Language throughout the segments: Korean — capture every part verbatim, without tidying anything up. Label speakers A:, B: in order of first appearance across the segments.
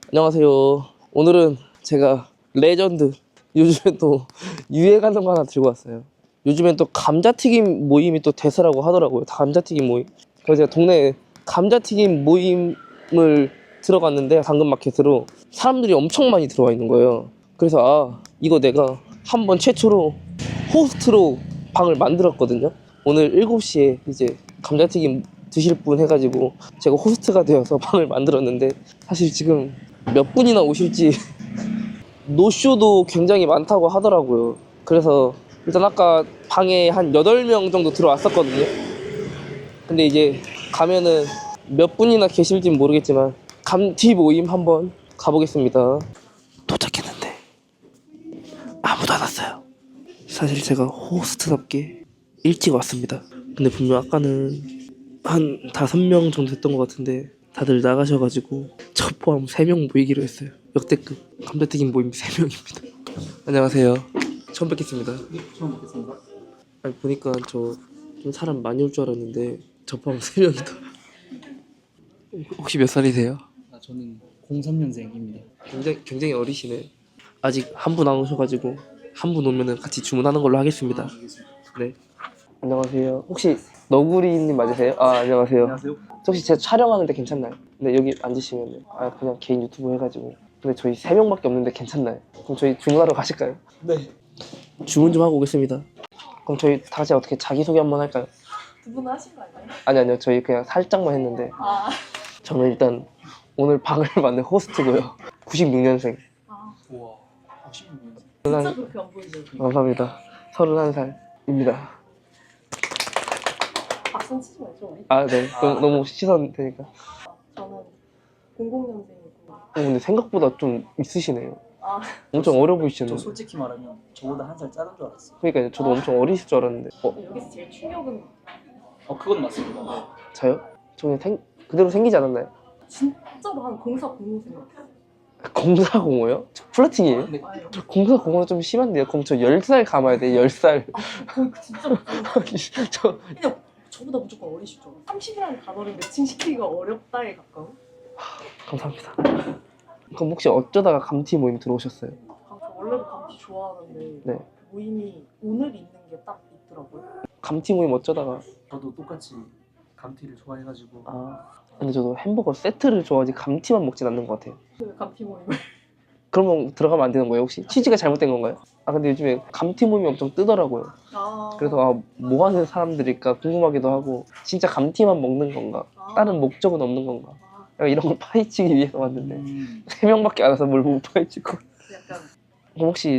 A: 안녕하세요. 오늘은 제가 레전드, 요즘에 또 유행하는 거 하나 들고 왔어요. 요즘엔 또 감자튀김 모임이 또 대세라고 하더라고요. 감자튀김 모임. 그래서 제가 동네에 감자튀김 모임을 들어갔는데, 당근마켓으로 사람들이 엄청 많이 들어와 있는 거예요. 그래서 아, 이거 내가 한번 최초로 호스트로 방을 만들었거든요. 오늘 일곱 시에 이제 감자튀김 드실 분 해가지고 제가 호스트가 되어서 방을 만들었는데, 사실 지금 몇 분이나 오실지 노쇼도 굉장히 많다고 하더라고요. 그래서 일단 아까 방에 한 여덟 명 정도 들어왔었거든요. 근데 이제 가면은 몇 분이나 계실진 모르겠지만 감튀 모임 한번 가보겠습니다. 도착했는데 아무도 안 왔어요. 사실 제가 호스트답게 일찍 왔습니다. 근데 분명 아까는 한 다섯 명 정도 됐던 것 같은데 다들 나가셔가지고 저 포함 세 명 모이기로 했어요. 역대급 감자튀김 모임 세 명입니다. 안녕하세요. 처음 뵙겠습니다.
B: 처음 뵙겠습니다.
A: 아니, 보니까 저 좀 사람 많이 올 줄 알았는데 저 포함 세 명이다. 혹시 몇 살이세요?
B: 아, 저는 공삼 년생입니다.
A: 굉장히, 굉장히 어리시네. 아직 한 분 안 오셔가지고 한 분 오면은 같이 주문하는 걸로 하겠습니다.
B: 아, 알겠습니다.
A: 네. 안녕하세요. 혹시 너구리님 맞으세요? 아, 안녕하세요.
B: 안녕하세요.
A: 혹시 제가 촬영하는데 괜찮나요? 네, 여기 앉으시면 아, 그냥 개인 유튜브 해가지고. 근데 저희 세 명밖에 없는데 괜찮나요? 그럼 저희 주문하러 가실까요?
B: 네.
A: 주문 좀 하고 오겠습니다. 그럼 저희 다 같이 어떻게 자기소개 한번 할까요?
C: 두 분은 하신 거 아니에요?
A: 아니 아니요, 저희 그냥 살짝만 했는데.
C: 아,
A: 저는 일단 오늘 방을 만든 호스트고요. 구십육 년생.
C: 아
B: 우와. 십육 년생.
C: 진짜 그렇게 안 보이죠?
A: 감사합니다. 서른한 살입니다.
C: 박수 치지 말죠 우리?
A: 아, 네. 너무, 너무 시선 되니까.
C: 저는 공공 년생이고.
A: 어, 근데 생각보다 좀 있으시네요.
C: 아,
A: 엄청 어려
B: 저
A: 보이시는데.
B: 솔직히 말하면 저보다 한 살 작은 줄 알았어요.
A: 그러니까 저도 엄청 어리실 줄 알았는데. 어,
C: 여기서 제일 충격은
B: 어, 그건 맞습니다. 네.
A: 저요? 저 그냥 생, 그대로 생기지 않았나요?
C: 진짜로 한 공사 공무생 같아요.
A: 공사공오요? 저 플러팅이에요?
B: 근데
C: 아유,
A: 저 공사공오는 좀 심한데요? 그럼 저 열 살 감아야 돼, 열 살.
C: 그 진짜 무서워요.
A: 저,
C: 그냥 저보다 무조건 어리실 줄 알아요. 삼십이라는 단어를 매칭시키기가 어렵다에 가까운?
A: 감사합니다. 그럼 혹시 어쩌다가 감튀 모임 들어오셨어요?
C: 아, 저 원래도 감튀 좋아하는데
A: 네.
C: 모임이 오늘 있는 게 딱 있더라고요.
A: 감튀 모임 어쩌다가.
B: 저도 똑같이 감튀를 좋아해가지고
A: 아, 근데 저도 햄버거 세트를 좋아하지 감튀만 먹진 않는 것 같아요.
C: 그 감튀 모임을
A: 그러면 들어가면 안 되는 거예요, 혹시? 취지가 잘못된 건가요? 아, 근데 요즘에 감튀 모임이 엄청 뜨더라고요.
C: 아,
A: 그래서 아, 뭐 하는 사람들일까 궁금하기도 하고, 진짜 감튀만 먹는 건가?
C: 아,
A: 다른 목적은 없는 건가?
C: 아,
A: 약간 이런 걸 파헤치기 위해서 왔는데
B: 음,
A: 세 명밖에 안 와서 뭘 못 파헤치고.
C: 약간
A: 그럼 혹시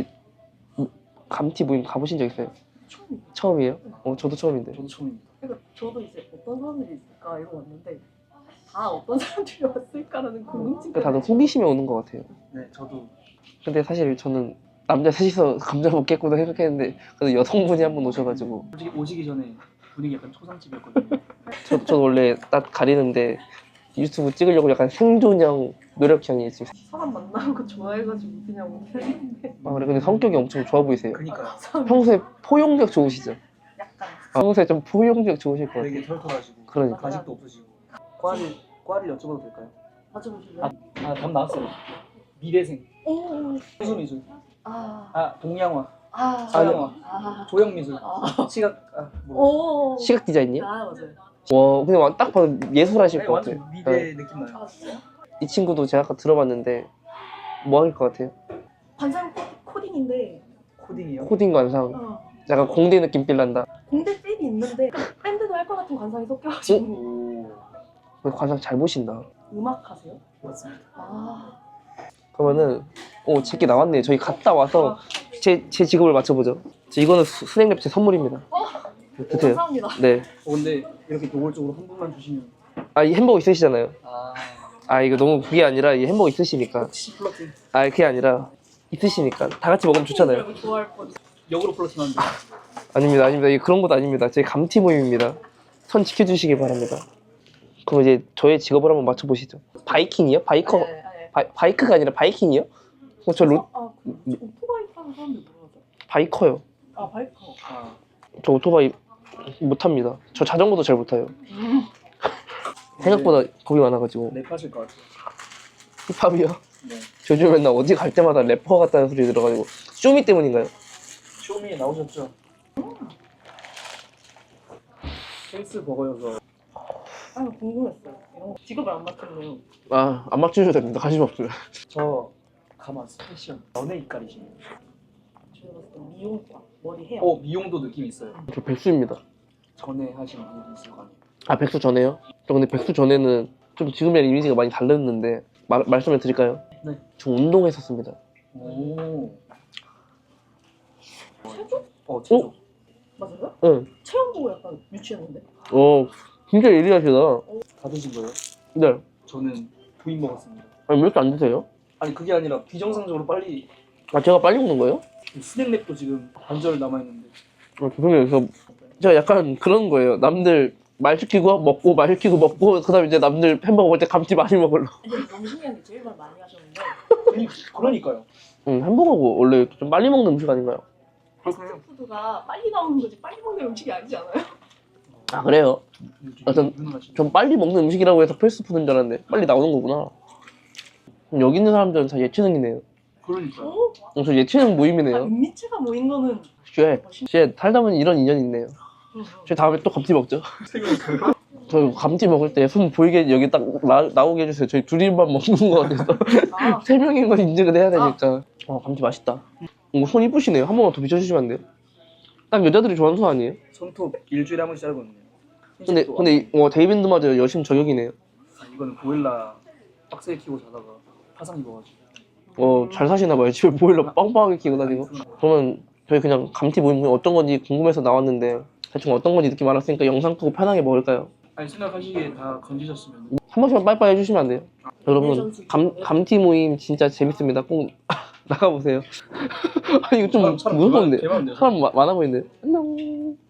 A: 감튀 모임 가보신 적 있어요?
C: 처음이에요.
A: 처음이에요? 어, 저도 처음인데.
B: 저도 처음입니다.
C: 그러니까 저도 이제 어떤 사람들이 있을까 이러고 왔는데 다 어떤 사람들이 왔을까라는 궁금증이
A: 그러니까 다들 호기심에 오는 것 같아요.
B: 네, 저도
A: 근데 사실 저는 남자 셋이서 감자 먹겠구나 생각했는데 그래도 여성분이 한 분 오셔가지고.
B: 솔직히 오시기 전에 분위기 약간 초상집이었거든요.
A: 저, 저 원래 딱 가리는데 유튜브 찍으려고 약간 생존형, 노력형이 지금.
C: 사람 만나는 거 좋아해가지고 그냥 오긴 했는데
A: 아, 그래. 근데 성격이 엄청 좋아 보이세요.
B: 그러니까요.
A: 평소에 포용력 좋으시죠?
C: 약간
A: 아, 평소에 좀 포용력 좋으실 것 같아요.
B: 되게 털털하시고
A: 그러니까.
B: 가식도 없으시고. 과를 과를 여쭤봐도 될까요?
C: 맞춰보실래요?
B: 아, 아, 답 나왔어요. 미대생,
C: 오,
B: 수미술,
C: 아,
B: 아, 동양화,
C: 아,
B: 서양화,
C: 아,
B: 조형미술,
C: 아,
B: 시각, 아, 뭐.
C: 오,
A: 시각 디자인이요?
C: 아 맞아요.
A: 와, 근데 와- 딱 봐도 예술하실
B: 아니,
A: 것 같아요.
B: 완전 미대 느낌 나요.
C: 아 진짜요?
A: 이 친구도 제가 아까 들어봤는데 뭐 할 것 같아요?
C: 관상 코- 코딩인데
B: 코딩이요?
A: 코딩 관상.
C: 어,
A: 약간 공대 느낌 빌란다.
C: 공대 필이 있는데 밴드도 할 것 같은 관상이 섞여가지고
B: 오,
A: 관상 잘 보신다.
C: 음악 하세요?
B: 맞습니다.
C: 아,
A: 그러면은 오, 제게 나왔네요. 저희 갔다 와서 제, 제 직업을 맞춰보죠. 저 이거는 수- 스낵랩 제 선물입니다. 드세요.
C: 감사합니다.
A: 네.
B: 어, 근데 이렇게 노골적으로 한 분만 주시면
A: 아, 이 햄버거 있으시잖아요.
B: 아,
A: 아, 이거 너무 그게 아니라 이 햄버거 있으시니까.
B: 혹시 플러팅
A: 아, 그게 아니라 있으시니까 다 같이 먹으면 좋잖아요.
C: 이거 좋아할 뻔.
B: 역으로 플러팅 하는데
A: 아닙니다, 아닙니다. 이게 그런 것도 아닙니다. 제 감튀 모임입니다. 선 지켜주시기 바랍니다. 그럼 이제 저의 직업을 한번 맞춰보시죠. 바이킹이요? 바이커?
C: 네, 네.
A: 바, 바이크가 아니라 바이킹이요? 어, 저 로,
C: 아, 그 오토바이 타는 사람들 뭐라 하죠?
A: 바이커요.
C: 아, 바이커.
B: 아,
A: 저 오토바이 못합니다. 저 자전거도 잘 못타요. 생각보다 겁이 많아가지고.
B: 랩하실 것 같아요.
A: 힙합이요?
B: 네.
A: 저 요즘 맨날 어디 갈 때마다 래퍼 같다는 소리 들어가지고 쇼미 때문인가요?
B: 쇼미에 나오셨죠? 헬스 버거여서
C: 아 궁금했어요. 이런 거 직업을 안 맡겼네요.
A: 아, 안 맞추셔도 됩니다. 관심 없어요.
B: 저 가마 스페셜 연예 이깔이시네요.
C: 제가 봤을 때 미용과 머리 헤어.
B: 어 미용도 느낌 있어요.
A: 저 백수입니다.
B: 전에 하신 일이 있을 거 아니에요.
A: 아, 백수 전에요? 저 근데 백수 전에는 좀 지금이랑 이미지가 많이 달랐는데 마, 말씀을 드릴까요?
B: 네.
A: 저 운동했었습니다.
B: 오.
C: 체조?
B: 어 제조.
C: 맞아요?
A: 응.
C: 체험 보고 약간 유치했는데.
A: 어, 진짜 예리하시다.
B: 다 드신 거예요?
A: 네.
B: 저는 부인 먹었습니다.
A: 아니, 왜 이렇게 안 드세요?
B: 아니 그게 아니라 비정상적으로 빨리
A: 아, 제가 빨리 먹는 거예요?
B: 스낵랩도 지금 반절 남아있는데
A: 어, 죄송해요. 그래서 제가 약간 그런 거예요. 남들 말 시키고 먹고 말 시키고 먹고 그다음에 이제 남들 햄버거 먹을 때 감튀 많이 먹으려.
C: 아니 너무 신기한 게 제일 말 많이 하셨는데
B: 그니- 그러니까요.
A: 응, 햄버거가 원래 좀 빨리 먹는 음식 아닌가요?
C: 패스트푸드가 빨리 나오는 거지 빨리 먹는 음식이 아니지 않아요?
A: 아, 그래요? 어떤-
B: 유능하시네.
A: 전 빨리 먹는 음식이라고 해서 패스트푸드인 줄 알았는데 빨리 나오는 거구나. 그럼 여기 있는 사람들은 다 예체능이네요.
B: 그러니까요.
C: 어?
A: 어, 저 예체능
C: 아,
A: 모임이네요.
C: 은미체가 모인 거는
A: 쉣, 쉣, 살다 보니 이런 인연이 있네요.
C: 음,
A: 저 다음에 또 감튀 먹죠.
B: 생각해요.
A: 저 감튀 먹을 때 손 보이게 여기 딱 나, 나오게 해주세요. 저희 둘이만 먹는 거 같아서.
C: 아,
A: 세 명인 건 인증을 해야 되니까. 어, 감튀 맛있다. 어, 손 이쁘시네요. 한 번만 더 비춰주시면 안 돼요? 딱 여자들이 좋아하는 손 아니에요?
B: 손톱 일주일에 한 번씩 자르거든요.
A: 근데,
B: 흰색도
A: 근데, 이- 어, 데이빈드마저 여심 저격이네요.
B: 아, 이거는 보일러 빡세게 키고 자다가 화상 입어가지고.
A: 어, 잘 사시나봐요. 집에 보일러 빵빵하게 키고 다니고. 그러면 저희 그냥 감튀 모임 어떤 건지 궁금해서 나왔는데 대충 어떤 건지 느낌 알았으니까 영상 끄고 편하게 먹을까요?
B: 아니 생각하시기에 다 건지셨으면
A: 한 번씩만 빠이빠이 해주시면 안 돼요? 여러분, 감, 감튀 모임 진짜 재밌습니다. 꼭 나가보세요. 아니, 이거 좀
B: 사람
A: 무서운데.
B: 개많은데요?
A: 사람 마- 많아 보이는데. 안녕.